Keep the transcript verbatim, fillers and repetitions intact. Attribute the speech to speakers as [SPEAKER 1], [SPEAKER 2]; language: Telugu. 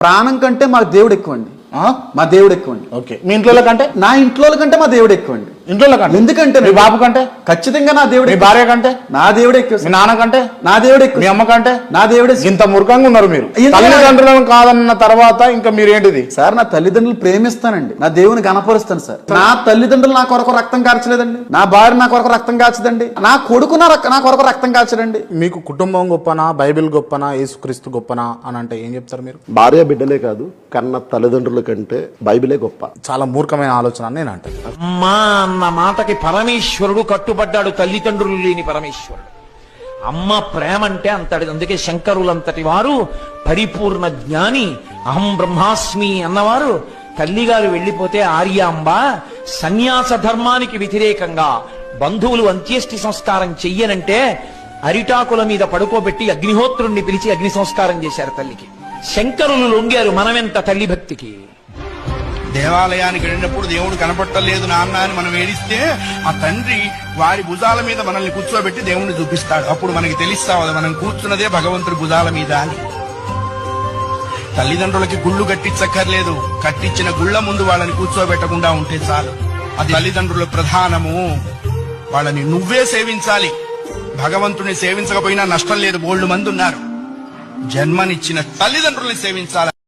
[SPEAKER 1] ప్రాణం కంటే మా దేవుడు ఎక్కువండి. మా దేవుడు ఎక్కువండి.
[SPEAKER 2] ఓకే, మీ ఇంట్లో కంటే?
[SPEAKER 1] నా ఇంట్లో కంటే మా దేవుడు ఎక్కువండి.
[SPEAKER 2] ఇంట్లో కంటే?
[SPEAKER 1] ఎందుకంటే
[SPEAKER 2] మీ బాబు కంటే?
[SPEAKER 1] ఖచ్చితంగా నా దేవుడు.
[SPEAKER 2] మీ భార్య కంటే?
[SPEAKER 1] నా దేవుడు ఎక్కువ.
[SPEAKER 2] మీ నాన్న కంటే?
[SPEAKER 1] నా దేవుడు ఎక్కువ.
[SPEAKER 2] మీ అమ్మ కంటే?
[SPEAKER 1] నా దేవుడే.
[SPEAKER 2] ఇంత మూర్ఖంగా ఉన్నారు మీరు. తల్లిదండ్రులను కాదన్న తర్వాత ఇంకా మీరు ఏంటిది
[SPEAKER 1] సార్? నా తల్లిదండ్రులు ప్రేమిస్తానండి, నా దేవుని గణపరుస్తాను సార్. నా తల్లిదండ్రులు నా కొరకు రక్తం కార్చలేదండి, నా భార్య నా కొరకు రక్తం కాచదండి, నా కొడుకు నా నా కొరకు రక్తం కాచడండి.
[SPEAKER 2] మీకు కుటుంబం గొప్పనా, బైబిల్ గొప్పనా, యేసుక్రీస్తు గొప్పనా అని అంటే ఏం చెప్తారు మీరు?
[SPEAKER 3] భార్య బిడ్డలే కాదు, కన్న తల్లిదండ్రుల కంటే బైబిలే గొప్ప.
[SPEAKER 2] చాలా మూర్ఖమైన ఆలోచన అని నేను అంటాను.
[SPEAKER 4] అమ్మా అన్న మాటకి పరమేశ్వరుడు కట్టుబడ్డాడు, తల్లిదండ్రులు లేని పరమేశ్వరుడు. అమ్మ ప్రేమ అంటే అంతటి. అందుకే శంకరులంతటి వారు పరిపూర్ణ జ్ఞాని, అహం బ్రహ్మాస్మి అన్నవారు తల్లిగారు వెళ్లిపోతే ఆర్యాంబ సన్యాస ధర్మానికి వ్యతిరేకంగా బంధువులు అంత్యేష్టి సంస్కారం చెయ్యనంటే అరిటాకుల మీద పడుకోబెట్టి అగ్నిహోత్రుణ్ణి పిలిచి అగ్ని సంస్కారం చేశారు తల్లికి. శంకరులు లొంగారు మనమెంత తల్లి భక్తికి.
[SPEAKER 5] దేవాలయానికి వెళ్ళినప్పుడు దేవుడు కనపట్టలేదు నాన్న అని మనం ఏడిస్తే ఆ తండ్రి వారి భుజాల మీద మనల్ని కూర్చోబెట్టి దేవుణ్ణి చూపిస్తాడు. అప్పుడు మనకి తెలుస్తావు మనం కూర్చున్నదే భగవంతుడి భుజాల మీద అని. తల్లిదండ్రులకి గుళ్ళు కట్టించక్కర్లేదు, కట్టించిన గుళ్ళ ముందు వాళ్ళని కూర్చోబెట్టకుండా ఉంటే చాలు. అది తల్లిదండ్రుల ప్రధానము. వాళ్ళని నువ్వే సేవించాలి. భగవంతుని సేవించకపోయినా నష్టం లేదు, బోల్డు మంది ఉన్నారు. జన్మనిచ్చిన తల్లిదండ్రుల్ని సేవించాలి.